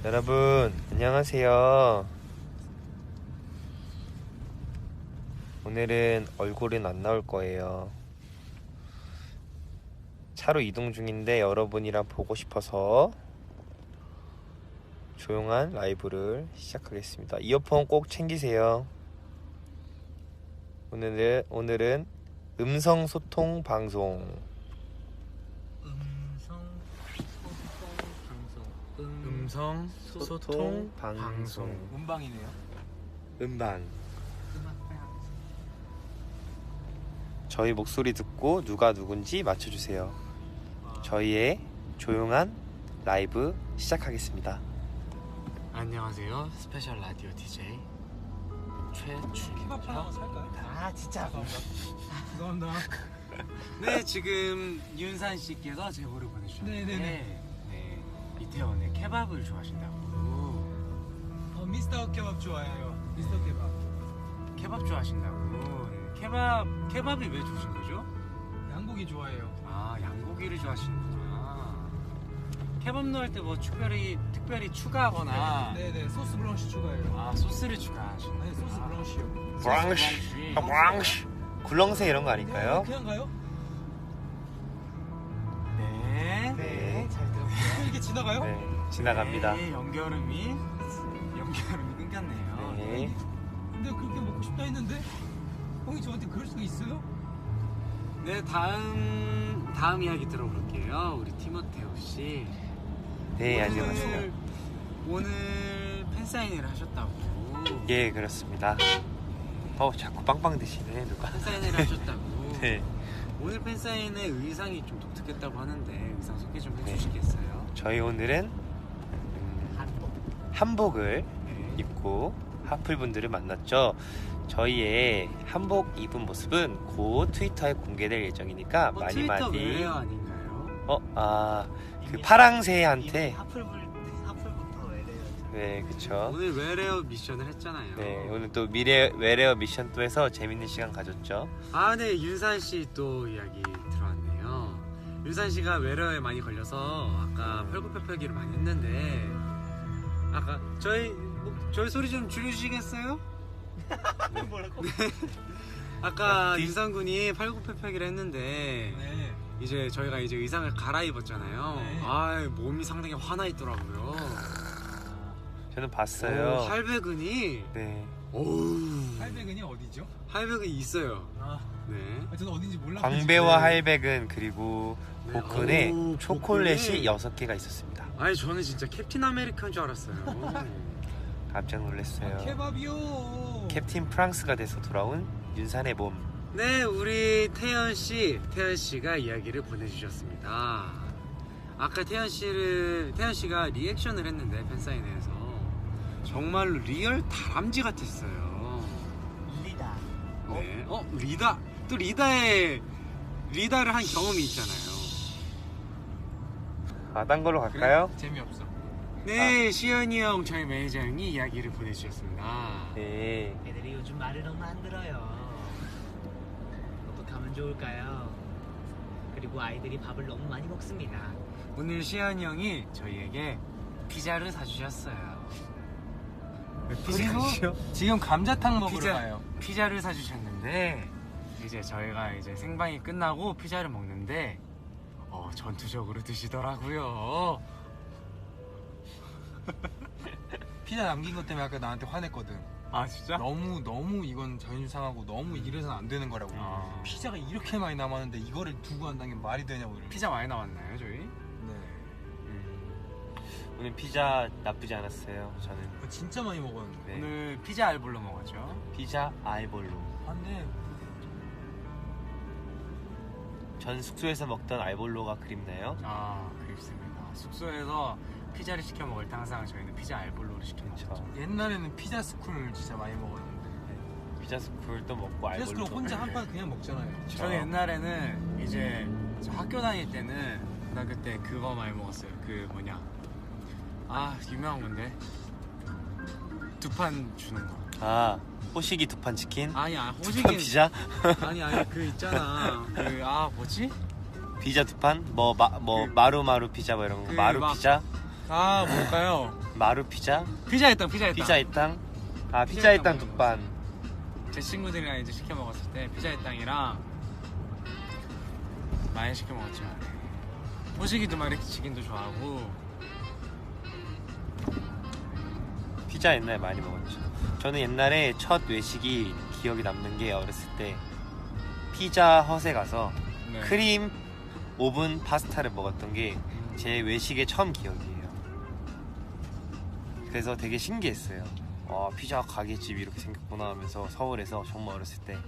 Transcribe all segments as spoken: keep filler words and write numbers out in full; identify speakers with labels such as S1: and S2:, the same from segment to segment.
S1: 여러분 안녕하세요. 오늘은 얼굴은 안 나올 거예요. 차로 이동 중인데 여러분이랑 보고 싶어서 조용한 라이브를 시작하겠습니다. 이어폰 꼭 챙기세요. 오늘은, 오늘은 음성 소통 방송.
S2: 음성 소통 방송. 음,
S3: 음성 소통,
S1: 소통
S3: 방송.
S1: 방송.
S3: 음방이네요.
S1: 음방.
S2: 음악 방송.
S1: 저희 목소리 듣고 누가 누군지 맞춰주세요. 저희의 조용한 라이브 시작하겠습니다.
S3: 안녕하세요. 스페셜 라디오 디제이
S4: 케밥 하나
S3: 최준혁입니다.
S4: 살까요?
S2: 아 진짜
S4: 죄송합니다.
S3: 네, 지금 윤산 씨께서 제보를 보내주셨는데
S4: 네네네.
S3: 네, 이태원에 케밥을 좋아하신다고.
S4: 어, 미스터 케밥 좋아해요. 미스터 케밥.
S3: 케밥 좋아하신다고. 네, 케밥 케밥이 왜 좋으신 거죠?
S4: 양고기 좋아해요.
S3: 아, 양고기를 좋아하시는구나. 케밥 넣을 때 뭐 특별히 특별히 추가하거나
S4: 네네 소스 브런치 추가해요.
S3: 아, 소스를 추가하시는.
S4: 아니 소스 브런치요.
S1: 브랑쉬, 브랑쉬. 굴렁쇠 이런 거 아닐까요?
S4: 그냥 가요?
S3: 네.
S1: 네,
S2: 잘 들었고요.
S4: 그냥 이렇게 지나가요?
S1: 네, 지나갑니다.
S3: 네, 연결음이 연결음이 끊겼네요.
S1: 네.
S4: 근데 그렇게 먹고 싶다 했는데 형이 저한테 그럴 수가 있어요?
S3: 네, 다음 다음 이야기 들어볼게요. 우리 티모테오 씨.
S1: 네,
S3: 오늘-
S1: 안녕하세요.
S3: 오늘 팬사인회를 하셨다고.
S1: 예, 그렇습니다. 어, 자꾸 빵빵 드시네, 누가.
S3: 팬사인회를 하셨다고.
S1: 네,
S3: 오늘 팬사인회 의상이 좀 독특했다고 하는데 의상 소개 좀
S1: 네.
S3: 해주시겠어요?
S1: 저희 오늘은 음,
S2: 한복.
S1: 한복을
S3: 네.
S1: 입고 하플분들을 만났죠. 저희의 한복 입은 모습은 곧 트위터에 공개될 예정이니까
S3: 어,
S1: 많이
S3: 트위터
S1: 많이.
S3: 외래어 아닌가요?
S1: 어, 아, 그
S2: 이미
S1: 파랑새한테.
S2: 이미 하플불 하플부터 외래요.
S1: 네, 그쵸.
S3: 오늘 외래어 미션을 했잖아요.
S1: 네, 오늘 또 미래 외래어 미션 또 해서 재밌는 시간 가졌죠.
S3: 아, 네, 윤산 씨 또 이야기 들어왔네요. 윤산 씨가 외래어에 많이 걸려서 아까 펄굽혀펴기를 많이 했는데 아까 저희 뭐, 저희 소리 좀 줄여주시겠어요?
S2: 뭐라고?
S3: 아까
S1: 아, 뒤-
S3: 윤산 군이 팔굽혀펴기를 했는데
S4: 네.
S3: 이제 저희가 이제 의상을 갈아입었잖아요.
S4: 네.
S3: 아, 몸이 상당히 화나 있더라고요.
S1: 저는 봤어요.
S3: 오, 할배근이
S1: 네,
S3: 오우
S4: 할배근이 어디죠?
S3: 할배근이 있어요.
S4: 아,
S3: 네.
S4: 저는 어딘지 몰라.
S1: 광배와
S3: 네.
S1: 할백은 그리고
S3: 네.
S1: 복근에
S3: 오,
S1: 초콜릿이
S3: 복근에.
S1: 여섯 개가 있었습니다.
S3: 아니 저는 진짜 캡틴 아메리카인 줄 알았어요.
S1: 깜짝 놀랐어요.
S4: 아, 케밥이요.
S1: 캡틴 프랑스가 돼서 돌아온 윤산의 몸.
S3: 네, 우리 태연 씨, 태연 씨가 이야기를 보내주셨습니다. 아까 태연 씨를 태연 씨가 리액션을 했는데 팬사인회에서 정말로 리얼 다람쥐 같았어요.
S2: 리다.
S3: 네, 어 리다 또 리다의 리다를 한 경험이 있잖아요.
S1: 아, 딴 걸로 갈까요?
S4: 재미없어.
S3: 네, 시연이 형 저희 매니저 형이 이야기를 보내주셨습니다.
S1: 네.
S2: 애들이 요즘 말을 너무 안 들어요. 어떻게 하면 좋을까요? 그리고 아이들이 밥을 너무 많이 먹습니다.
S3: 오늘 시연이 형이 저희에게 피자를 사주셨어요.
S4: 그리고 지금 감자탕 먹으러
S3: 피자.
S4: 가요.
S3: 피자를 사주셨는데 이제 저희가 이제 생방이 끝나고 피자를 먹는데 어, 전투적으로 드시더라고요.
S4: 피자 남긴 것 때문에 아까 나한테 화냈거든.
S3: 아 진짜?
S4: 너무 너무 이건 자존심 상하고 너무 이래서는 안 되는 거라고.
S3: 아.
S4: 피자가 이렇게 많이 남았는데 이거를 두고 한다는 게 말이 되냐고. 이러면서.
S3: 피자 많이 나왔나요 저희?
S4: 네.
S1: 오늘 피자 나쁘지 않았어요. 저는
S4: 그거 진짜 많이 먹었는데.
S1: 네.
S3: 오늘 피자 알볼로 먹었죠.
S1: 피자 아이볼로.
S4: 안돼.
S1: 전 숙소에서 먹던 알볼로가 그립나요?
S3: 아 그립습니다. 숙소에서 피자를 시켜 먹을 때 항상 저희는 피자 알볼로를 시켜
S1: 그쵸.
S3: 먹었죠.
S4: 옛날에는 피자 스쿨 진짜 많이 먹었는데.
S1: 피자 스쿨도 먹고
S4: 피자
S1: 알볼로.
S4: 스쿨 혼자 한 판 그냥 먹잖아요.
S3: 저는 옛날에는 이제 저 학교 다닐 때는 나 그때 그거 많이 먹었어요. 그 뭐냐 아 유명한 건데 두 판 주는 거.
S1: 아, 호식이 두 판 치킨?
S3: 아니 아
S1: 두 판
S3: 호식이
S1: 피자?
S3: 아니 아니 그 있잖아 그 아 뭐지
S1: 피자 두 판? 뭐, 마, 뭐
S3: 그-
S1: 마루마루 피자 뭐 이런 거.
S3: 그
S1: 마루
S3: 막-
S1: 피자?
S4: 아 뭘까요?
S1: 마루 피자,
S3: 피자의 땅, 피자의 땅.
S1: 피자의 땅. 아
S3: 피자의
S1: 피자의 땅
S3: 땅
S1: 국반.
S3: 제 친구들이랑 이제 시켜 먹었을 때 피자의 땅이랑 많이 시켜 먹었죠. 호식이도 막 이렇게 치킨도 좋아하고.
S1: 피자 옛날에 많이 먹었죠. 저는 옛날에 첫 외식이 기억이 남는 게 어렸을 때 피자 헛에 가서
S3: 네.
S1: 크림 오븐 파스타를 먹었던 게 제 외식의 처음 기억이에요. 그래서 되게 신기했어요. 와, 피자 가게집이 이렇게 생겼구나 하면서 서울에서 정말 어렸을 때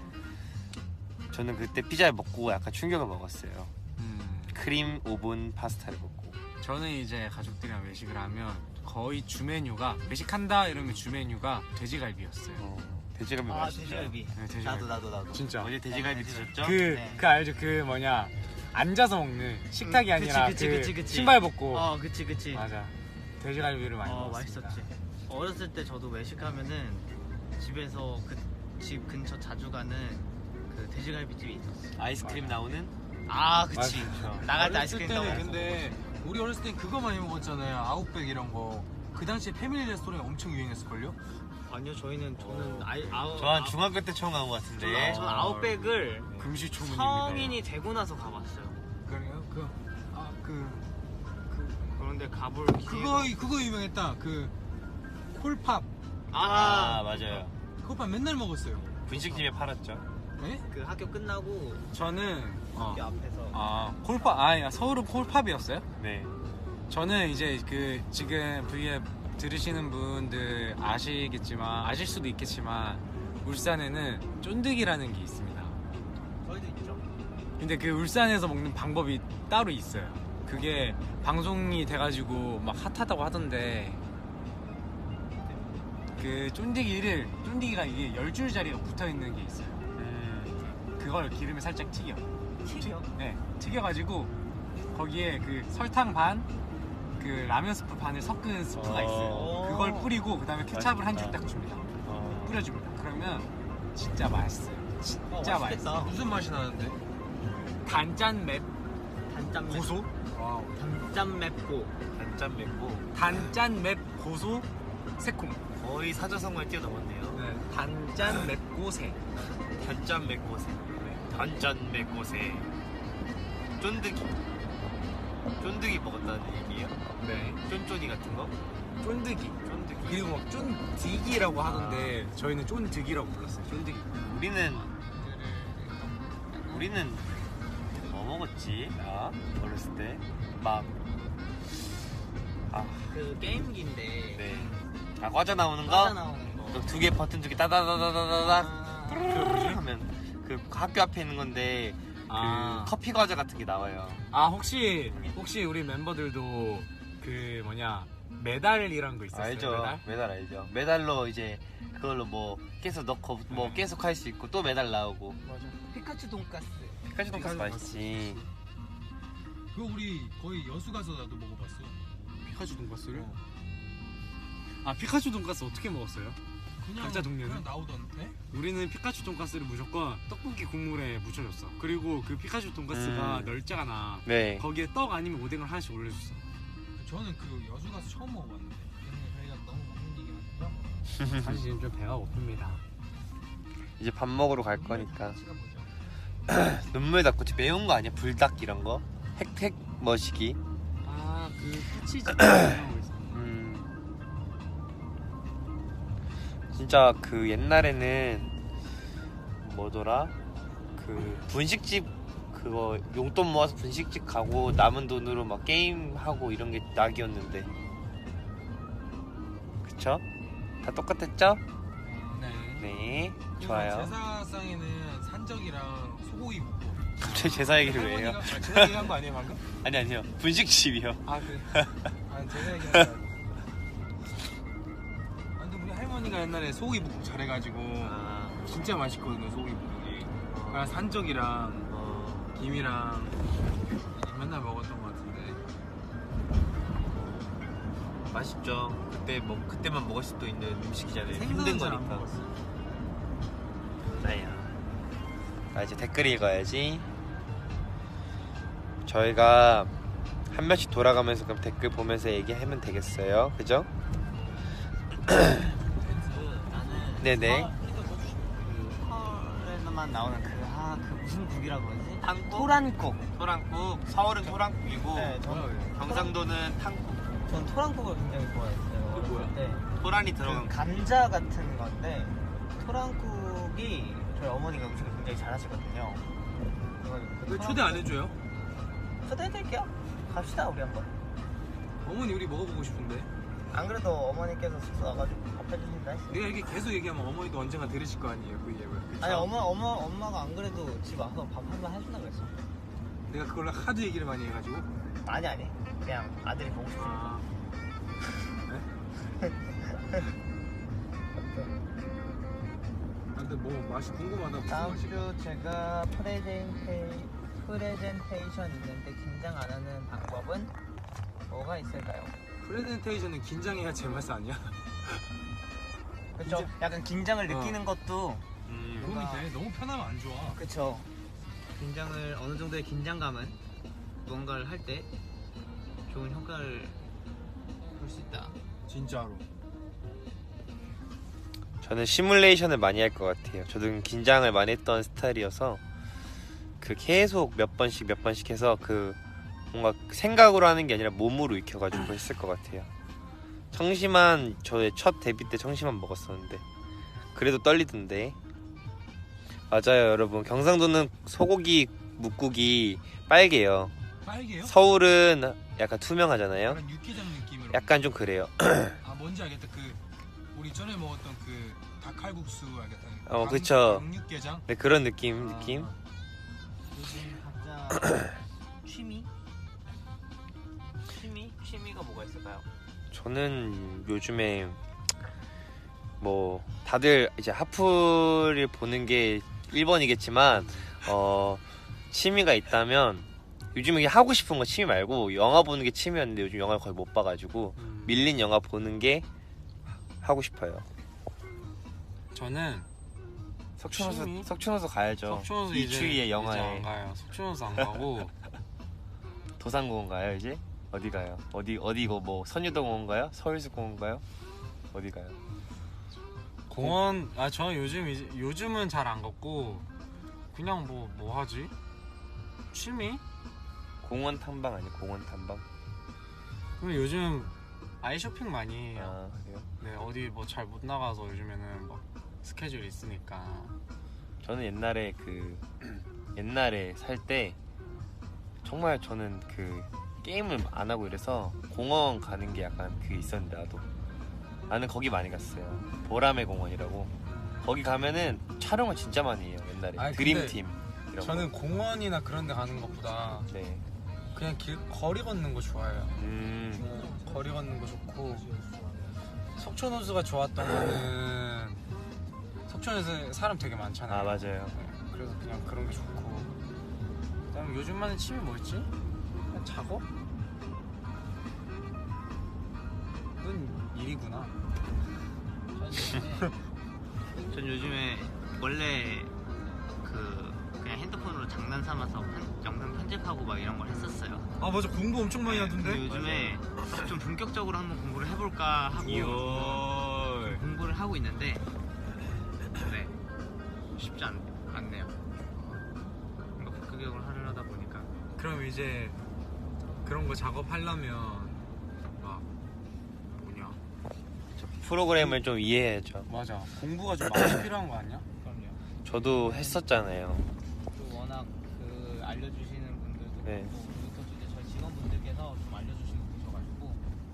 S1: 저는 그때 피자를 먹고 약간 충격을 먹었어요.
S3: 음,
S1: 크림 오븐 파스타를 먹고.
S3: 저는 이제 가족들이랑 외식을 하면 거의 주 메뉴가 외식한다 이러면 주 메뉴가 돼지갈비였어요.
S1: 어, 돼지갈비
S2: 아
S1: 맛있죠.
S2: 돼지갈비.
S3: 네, 돼지갈비.
S2: 나도 나도 나도.
S3: 진짜.
S1: 어제 돼지갈비 드셨죠?
S3: 그,
S2: 네.
S3: 그 알죠? 그 뭐냐 앉아서 먹는 식탁이
S2: 음,
S3: 아니라
S2: 그치,
S3: 그
S2: 그치, 그치.
S3: 신발 벗고.
S2: 어 그치 그치.
S3: 맞아. 돼지갈비를 많이
S2: 어
S3: 먹었습니다.
S2: 맛있었지. 어렸을 때 저도 외식하면은 집에서 그 집 근처 자주 가는 그 돼지갈비집이 있었어.
S1: 아이스크림 나오는?
S2: 아 그치.
S3: 맞아.
S2: 나갈 때
S4: 어렸을
S2: 아이스크림
S4: 때는
S2: 나오고.
S4: 근데 우리 어렸을 땐 그거 많이 먹었잖아요. 아웃백 이런 거. 그 당시에 패밀리 레스토랑이 엄청 유행했을걸요?
S2: 아니요 저희는 저는
S1: 어.
S2: 아이 아우.
S1: 저 한 중학교 때 처음 간 것 같은데.
S2: 저는, 저는 아웃백을
S3: 금시초문입니다.
S2: 성인이 되고 나서 가봤어요.
S4: 그래요? 그, 아, 그,
S2: 그런데 가볼
S4: 그거,
S2: 기회가-
S4: 그거 유명했다. 그, 콜팝.
S1: 아,
S2: 아,
S1: 맞아요.
S4: 콜팝 맨날 먹었어요.
S1: 분식집에 팔았죠.
S4: 네?
S2: 그 학교 끝나고
S3: 저는 어,
S2: 학교 앞에서
S3: 아 콜팝 아 서울은 콜팝이었어요?
S1: 네.
S3: 저는 이제 그 지금 브이앱 들으시는 분들 아시겠지만 아실 수도 있겠지만 울산에는 쫀득이라는 게 있습니다.
S2: 저희도 있죠.
S3: 근데 그 울산에서 먹는 방법이 따로 있어요. 그게 방송이 돼가지고 막 핫하다고 하던데 그 쫀득이를 쫀득이가 이게 열 줄짜리가 붙어 있는 게 있어요.
S1: 음,
S3: 그걸 기름에 살짝 튀겨.
S2: 튀겨?
S3: 네, 튀겨가지고 거기에 그 설탕 반, 그 라면 스프 반을 섞은 스프가
S1: 어.
S3: 있어요. 그걸 뿌리고 그 다음에 케찹을 한 줄
S1: 맛있다.
S3: 딱 줍니다.
S1: 어,
S3: 뿌려줍니다. 그러면 진짜 맛있어요. 진짜
S2: 어, 맛있겠다.
S3: 맛있어.
S4: 무슨 맛이 나는데?
S3: 단짠 맵
S2: 단짠 맵.
S3: 고소,
S4: 와우.
S2: 단짠 맵고.
S1: 단짠 맵고
S3: 단짠 맵 고소 새콤.
S1: 거의 사자성어를 뛰어넘었네요.
S3: 네, 단짠 맵고 새.
S1: 단짠 맵고세. 단짠 맵고세. 쫀득이. 쫀득이 먹었다는 얘기예요?
S3: 네,
S1: 쫀쫀이 같은 거?
S3: 쫀득이.
S1: 쫀득이.
S3: 그리고 막 쫀디기라고 하던데 저희는 쫀득이라고 불렀어요. 쫀득이.
S1: 우리는 우리는 뭐 먹었지? 나 어렸을 때 막 아,
S2: 그 게임기인데.
S1: 네. 아 과자 나오는 거?
S2: 과자 나오는 거.
S1: 두 개 버튼 두 개 따다다다다다닥
S2: 아,
S1: 하면 그 학교 앞에 있는 건데 그
S3: 아.
S1: 커피 과자 같은 게 나와요.
S3: 아 혹시 혹시 우리 멤버들도 그 뭐냐 메달이란 거 있었어요?
S1: 알죠?
S3: 메달?
S1: 메달 알죠? 메달로 이제 그걸로 뭐 계속 넣고 뭐
S3: 네.
S1: 계속 할 수 있고 또 메달 나오고.
S2: 맞아. 피카츄 돈가스.
S1: 피카츄 돈까스
S3: 피카츄
S1: 맛있지.
S4: 그거 우리 거의 여수 가서 나도 먹어봤어.
S3: 피카츄 돈가스를?
S4: 어.
S3: 아 피카츄 돈가스 어떻게 먹었어요?
S4: 그냥,
S3: 각자 동네는?
S4: 그냥 나오던데?
S3: 우리는 피카츄 돈가스를 무조건 떡볶이 국물에 묻혀줬어. 그리고 그 피카츄 돈가스가
S1: 음.
S3: 널짜가나
S1: 네.
S3: 거기에 떡 아니면 오뎅을 하나씩 올려줬어.
S4: 저는 그 여수 가서 처음 먹어봤는데. 근데 저희가 너무 먹는 얘기만 했죠?
S3: 사실 지금 좀 배가 고픕니다.
S1: 이제 밥 먹으러 갈 거니까
S4: 같이가 뭐죠?
S1: 눈물 닦고 매운 거 아니야? 불닭 이런 거? 핵핵 머시기.
S3: 아그 치즈
S1: 음. 진짜 그 옛날에는 뭐더라? 그 분식집 그거 용돈 모아서 분식집 가고 남은 돈으로 막 게임 하고 이런 게 낙이었는데. 그쵸? 다 똑같았죠?
S4: 네.
S1: 네.
S4: 그리고
S1: 좋아요.
S4: 제사상에는 산적이랑 소고기 먹고.
S1: 갑자기 제사 얘기를 왜 해요?
S4: 할머니가- 아, 제사 얘기한 거 아니에요 방금?
S1: 아니 아니요. 분식집이요.
S4: 아 그래. 아 제사 얘기한 거. 아 근데 우리 할머니가 옛날에 소고기 묵국 잘해가지고
S1: 아,
S4: 진짜 맛있거든요 소고기 묵국이. 그냥 산적이랑
S1: 어,
S4: 김이랑 맨날 먹었던 것 같은데.
S1: 맛있죠. 그때 뭐 그때만 먹을 수도 있는 음식이잖아요. 힘든
S4: 생선은 잘안
S1: 거니까.
S4: 먹었어.
S1: 나야. 아 이제 댓글 읽어야지. 저희가 한 명씩 돌아가면서 그럼 댓글 보면서 얘기하면 되겠어요. 그죠?
S2: 나는
S1: 네네.
S2: 그 펄에만 나오는 그, 아, 그 무슨 국이라 그러지?
S1: 탕국?
S2: 토란국.
S1: 토랑국. 서울은 토랑국이고
S2: 네, 저는
S1: 경상도는 탕국.
S2: 전 토란국을 굉장히 좋아했어요.
S4: 그게 뭐야?
S2: 네.
S1: 토란이
S2: 그
S1: 들어간 거.
S2: 감자 같은 건데 토란국이 저희 어머니가 음식을 굉장히 잘하시거든요. 그
S4: 왜 초대 안 해줘요?
S2: 초대해드릴게요. 갑시다 우리 한번.
S4: 어머니 우리 먹어보고 싶은데.
S2: 안 그래도 어머니께서 숙소 와가지고 밥 해주신다 했어요.
S4: 내가 이렇게 계속 얘기하면 어머니도 언젠가 들으실 거 아니에요, 그 얘기를. 그쵸?
S2: 아니 엄마 엄마 엄마가 안 그래도 집 와서 밥 한 번 해준다 그랬어.
S4: 내가 그걸로 하도 얘기를 많이 해가지고.
S2: 아니 아니 그냥 아들이 보고 싶으니까.
S4: 아. 근데 뭐 맛이 궁금하다. 무슨
S2: 다음
S4: 맛일까?
S2: 주 제가 프레젠테이 프레젠테이션 있는데 긴장 안 하는 방법은 뭐가 있을까요?
S4: 프레젠테이션은 긴장해야 제맛 아니야?
S2: 그렇죠.
S4: 긴장-
S2: 약간 긴장을
S4: 어.
S2: 느끼는 것도
S1: 음.
S4: 도움이 돼. 너무 편하면 안 좋아.
S2: 그렇죠. 긴장을 어느 정도의 긴장감은 무언가를 할 때 좋은 효과를 볼 수 있다.
S4: 진짜로.
S1: 저는 시뮬레이션을 많이 할 것 같아요. 저도 긴장을 많이 했던 스타일이어서 그 계속 몇 번씩 몇 번씩 해서 그 뭔가 생각으로 하는 게 아니라 몸으로 익혀가지고 했을 것 같아요. 청심환 저의 첫 데뷔 때 청심환 먹었었는데 그래도 떨리던데. 맞아요 여러분. 경상도는 소고기 묵국이 빨개요.
S4: 빨개요?
S1: 서울은 약간 투명하잖아요.
S4: 약간 육개장 느낌으로.
S1: 약간 좀 그래요.
S4: 아 뭔지 알겠다. 그 우리 전에 먹었던 그 닭칼국수 알겠다.
S1: 어, 그쵸.
S4: 육개장.
S1: 네, 그런 느낌 느낌.
S2: 요즘 각자 취미? 취미? 취미가 뭐가 있을까요?
S1: 저는 요즘에 뭐 다들 이제 하프를 보는 게 일 번이겠지만 어 취미가 있다면 요즘에 하고 싶은 거 취미 말고 영화 보는 게 취미였는데 요즘 영화를 거의 못 봐가지고
S3: 음.
S1: 밀린 영화 보는 게 하고 싶어요.
S3: 저는
S1: 석촌호수
S3: 취미?
S1: 석촌호수 가야죠.
S3: 속초에서 이제
S1: 이추위의
S3: 이제
S1: 영화에
S3: 안 가요. 속초에서 안 가고
S1: 도산공원 가요 이제? 어디 가요? 어디 어디 이거 뭐 선유동공원 가요? 서울숲공원 가요? 어디 가요?
S3: 공원. 아 저는 요즘 이제 요즘은 잘 안 걷고 그냥 뭐 뭐 하지? 취미?
S1: 공원 탐방 아니 공원 탐방?
S3: 그럼 요즘 아이 쇼핑 많이 해요.
S1: 아 그래요?
S3: 네 어디 뭐 잘 못 나가서 요즘에는 막 스케줄 있으니까.
S1: 저는 옛날에 그 옛날에 살 때 정말 저는 그 게임을 안 하고 이래서 공원 가는 게 약간 그게 있었는데 나도 나는 거기 많이 갔어요. 보라매 공원이라고. 거기 가면은 촬영을 진짜 많이 해요. 옛날에
S3: 아니,
S1: 드림팀 이런
S3: 저는 공원이나 그런 데 가는 것보다
S1: 거. 네.
S3: 그냥 길 거리 걷는 거 좋아해요.
S1: 음.
S3: 거리 걷는 거 좋고 속초호수가 좋았던 거는 속초에서 사람 되게 많잖아요.
S1: 아 맞아요.
S3: 네, 그래서 그냥 그런 게 좋고 그다음에 요즘 하는 취미 뭐였지? 그냥 작업? 그건 일이구나.
S2: 전 요즘에 원래 그 그냥 핸드폰으로 장난 삼아서 편- 영상 편집하고 막 이런 걸 했었어요.
S4: 아 맞아 공부 엄청 많이
S2: 근데
S4: 하던데.
S2: 요즘에 좀 본격적으로 한번 공부를 해볼까 하고
S1: 이월.
S2: 공부를 하고 있는데 네 쉽지 않, 않네요. 뭔가 복교격을 하려다 보니까
S3: 그럼 이제 그런 거 작업하려면 막 뭐냐?
S1: 프로그램을 좀 이해해야죠.
S3: 맞아. 공부가 좀 많이 필요한 거 아니야?
S2: 그럼요.
S1: 저도 했었잖아요.
S2: 또 워낙 그 알려주시는 분들도
S1: 네.
S2: 그렇고 그리고 또 이제 저희 직원분들께서 좀 알려주시고 계셔가지고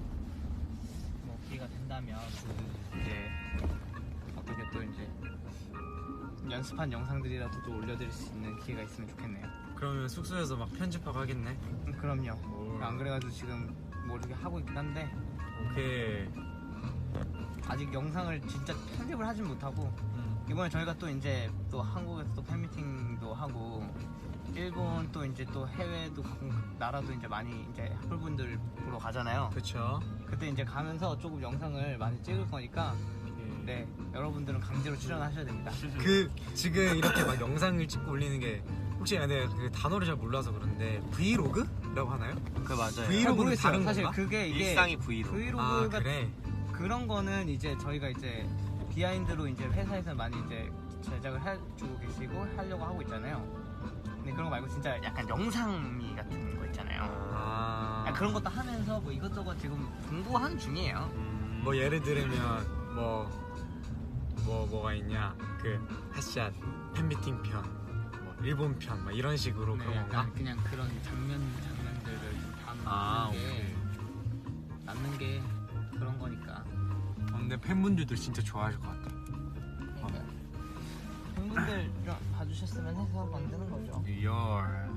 S2: 뭐 기회가 된다면 이제 어떻게 또 이제 연습한 영상들이라도 또 올려드릴 수 있는 기회가 있으면 좋겠네요.
S3: 그러면 숙소에서 막 편집하고 하겠네.
S2: 음, 그럼요. 안 그래가지고 지금 뭐 이렇게 하고 있긴 한데
S3: 오케이.
S2: 아직 영상을 진짜 편집을 하진 못하고
S3: 음.
S2: 이번에 저희가 또 이제 또 한국에서 또 팬미팅도 하고 일본 또 이제 또 해외도 가고 나라도 이제 많이 이제 학불분들 보러 가잖아요.
S3: 그쵸.
S2: 그때 이제 가면서 조금 영상을 많이 찍을 거니까 네 여러분들은 강제로 출연하셔야 됩니다.
S3: 그 지금 이렇게 막 영상을 찍고 올리는 게 혹시 근데 그 단어를 잘 몰라서 그런데 브이로그라고 하나요?
S2: 그 맞아요.
S3: 브이로그는 다른
S2: 사실
S3: 건가?
S2: 그게 이게
S1: 일상이 브이로그.
S2: 브이로그가
S3: 아 그래.
S2: 그런 거는 이제 저희가 이제 비하인드로 이제 회사에서 많이 이제 제작을 해주고 계시고 하려고 하고 있잖아요. 근데 그런 거 말고 진짜 약간 영상미 같은 거 있잖아요.
S3: 아.
S2: 아, 그런 것도 하면서 뭐 이것저것 지금 공부하는 중이에요.
S1: 음,
S3: 뭐 예를 들면 뭐, 뭐 뭐가 있냐 그 핫샷 팬미팅 편, 뭐 일본 편, 막 이런 식으로
S2: 네,
S3: 그런 건가?
S2: 약간 그냥 그런 장면 장면들을 좀 담는
S3: 아,
S2: 게 남는 게 그런 거니까.
S3: 어, 근데 팬분들도 진짜 좋아하실 것 같아.
S2: 그러니까 팬분들 좀 봐주셨으면 해서 만드는 거죠.
S3: 리얼.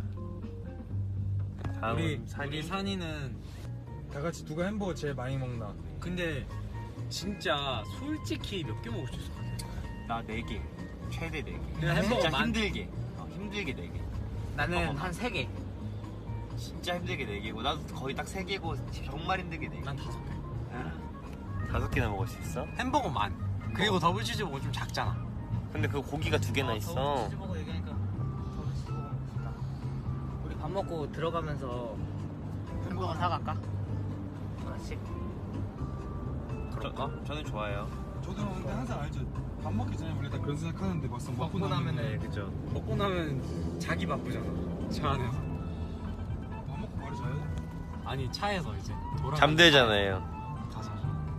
S1: 다음
S3: 우리
S1: 산이.
S3: 우리 산이는
S4: 다 같이 누가 햄버거 제일 많이 먹나?
S3: 근데 진짜 솔직히 몇 개 먹을 수 있을 것 같아.
S1: 나 네 개. 최대 네 개.
S3: 그냥 햄버거
S1: 진짜
S3: 만-
S1: 힘들게. 어, 힘들게 네 개.
S2: 나는 한 세 개.
S1: 진짜 힘들게 네 개고 나도 거의 딱 세 개고 정말 힘들게 네 개.
S3: 난 다섯 개.
S1: 다섯 개나 먹을 수 있어?
S3: 햄버거만. 그리고 더블 치즈버거 좀 작잖아.
S1: 근데 그 고기가 두 개나 있어.
S2: 치즈버거 얘기하니까 더블 치즈버거 먹고 싶다. 우리 밥 먹고 들어가면서 햄버거 사갈까? 하나씩.
S3: 그럴까?
S1: 저는 좋아요.
S4: 저도 근데 항상 알죠. 밥 먹기 전에 원래 다 그런 생각하는데 막상 먹고,
S2: 먹고
S4: 나면은
S2: 나면은
S1: 그죠.
S3: 먹고 나면 자기 바쁘잖아. 차 안에서.
S4: 밥 먹고 바로 자야 돼.
S3: 아니 차에서 이제 돌아.
S1: 잠들잖아요.
S3: 가서.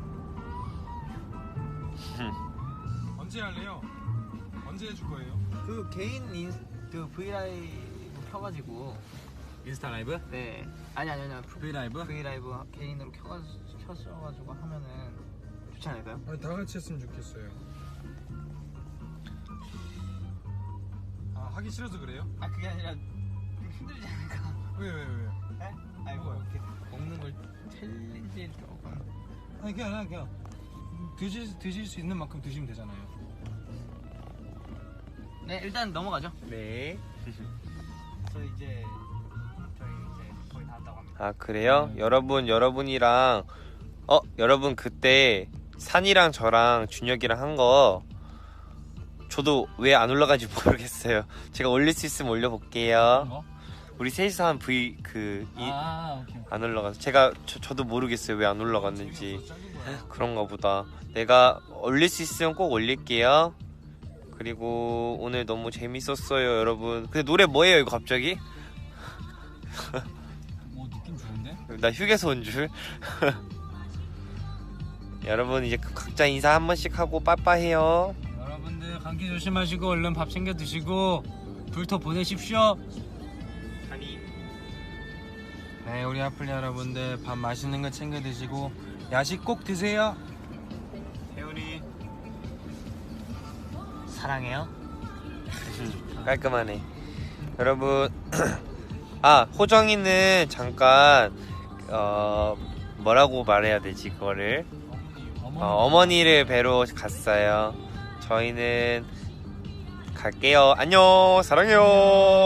S4: 언제 할래요? 언제 해줄 거예요?
S2: 그 개인 인, 그 브이라이브 켜가지고
S3: 인스타 라이브?
S2: 네 아니 아니 아니
S3: V 라이브?
S2: 브이라이브 개인으로 켜가지고 켜셔가지고 하면은 좋지 않을까요?
S4: 아니 다 같이 했으면 좋겠어요. 아 하기 싫어서 그래요?
S2: 아 그게 아니라 좀 힘들지 않을까?
S4: 왜 왜 왜, 왜?
S2: 네? 아니 뭐 이렇게 먹는 걸 챌린지 조금.
S4: 아니 그냥 그냥 그냥 드실 드실 수 있는 만큼 드시면 되잖아요.
S2: 네 일단 넘어가죠.
S1: 네.
S2: 저 이제 저희 이제 거의 다 왔다고 합니다.
S1: 아 그래요? 여러분 여러분이랑 어 여러분 그때 산이랑 저랑 준혁이랑 한 거 저도 왜 안 올라가는지 모르겠어요. 제가 올릴 수 있으면 올려볼게요.
S3: 뭐?
S1: 우리 셋이서 한 V 그 이 안
S3: 아 오케이.
S1: 올라가서 제가 저, 저도 모르겠어요 왜 안 올라갔는지.
S4: 재미없어서 잘린 거야.
S1: 그런가 보다. 내가 올릴 수 있으면 꼭 올릴게요. 그리고 오늘 너무 재밌었어요 여러분. 근데 노래 뭐예요 이거 갑자기?
S3: 뭐 느낌 좋은데?
S1: 나 휴게소 온 줄. 여러분 이제 각자 인사 한 번씩 하고 빠빠해요.
S3: 여러분들 감기 조심하시고 얼른 밥 챙겨 드시고 불토 보내십시오.
S1: 아니
S4: 네 우리 아플리 여러분들 밥 맛있는 거 챙겨 드시고 야식 꼭 드세요.
S1: 태훈이
S2: 사랑해요.
S1: 깔끔하네. 여러분 아 호정이는 잠깐 어 뭐라고 말해야 되지 그거를
S3: 어머니.
S1: 어, 어머니를 뵈러 갔어요. 저희는 갈게요. 안녕 사랑해요.